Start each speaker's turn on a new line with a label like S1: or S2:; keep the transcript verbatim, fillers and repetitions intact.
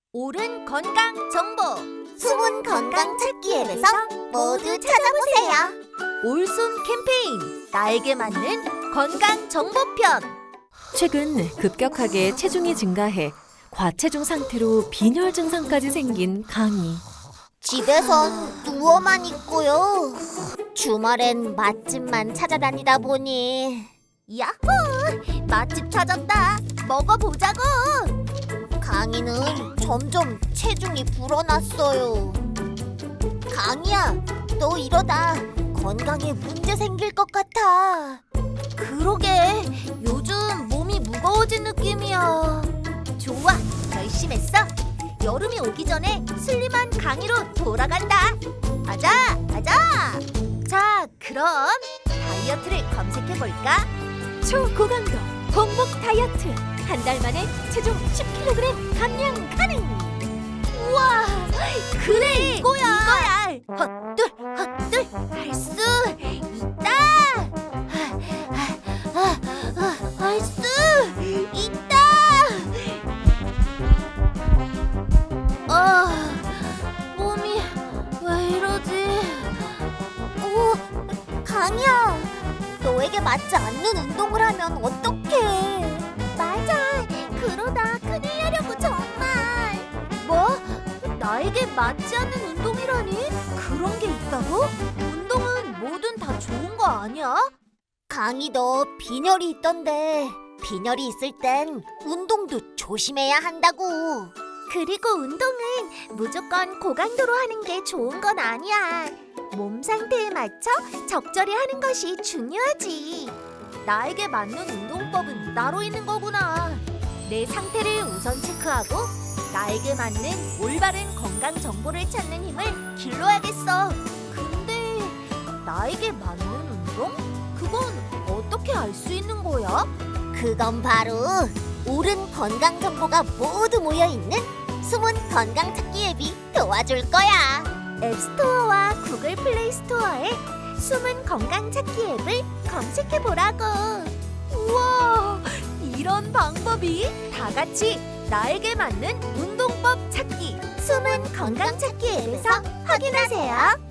S1: 옳은 건강 정보
S2: 숨은 건강 찾기 앱에서 모두 찾아보세요.
S1: 올손 캠페인 나에게 맞는 건강 정보편.
S3: 최근 급격하게 체중이 증가해 과체중 상태로 빈혈 증상까지 생긴 강희.
S2: 집에선 누워만 있고요. 주말엔 맛집만 찾아다니다 보니
S1: 야호! 맛집 찾았다. 먹어보자고.
S2: 강희는 점점 체중이 불어났어요. 강희야, 너 이러다 건강에 문제 생길 것 같아.
S1: 그러게, 요즘 몸이 무거워진 느낌이야. 좋아, 결심했어. 여름이 오기 전에 슬림한 강희로 돌아간다. 가자, 가자. 자, 그럼 다이어트를 검색해볼까?
S3: 초고강도 공복 다이어트. 한 달 만에 체중 십 킬로그램 감량 가능.
S1: 우와, 그래, 이거야. 이거야. 헛둘, 헛둘, 할 수 있다. 할 수 있다. 아, 몸이 왜 이러지?
S2: 오, 강희야, 너에게 맞지 않는 운동을 하면 어떡해?
S1: 맞아, 그러다 큰일 나려고 정말. 뭐? 나에게 맞지 않는 운동이라니? 그런 게 있다고? 운동은 뭐든 다 좋은 거 아니야?
S2: 강희 너 빈혈이 있던데 빈혈이 있을 땐 운동도 조심해야 한다고.
S1: 그리고 운동은 무조건 고강도로 하는 게 좋은 건 아니야. 몸 상태에 맞춰 적절히 하는 것이 중요하지. 나에게 맞는 운동법은 따로 있는 거구나. 내 상태를 우선 체크하고 나에게 맞는 올바른 건강 정보를 찾는 힘을 길러야겠어. 근데 나에게 맞는 운동? 그건 어떻게 알 수 있는 거야?
S2: 그건 바로 옳은 건강 정보가 모두 모여있는 숨은 건강 찾기 앱이 도와줄 거야.
S1: 앱스토어와 구글 플레이 스토어에 숨은 건강 찾기 앱을 검색해보라고. 우와, 이런 방법이 다 같이 나에게 맞는 운동법 찾기 숨은 건강 찾기 앱에서 확인하세요.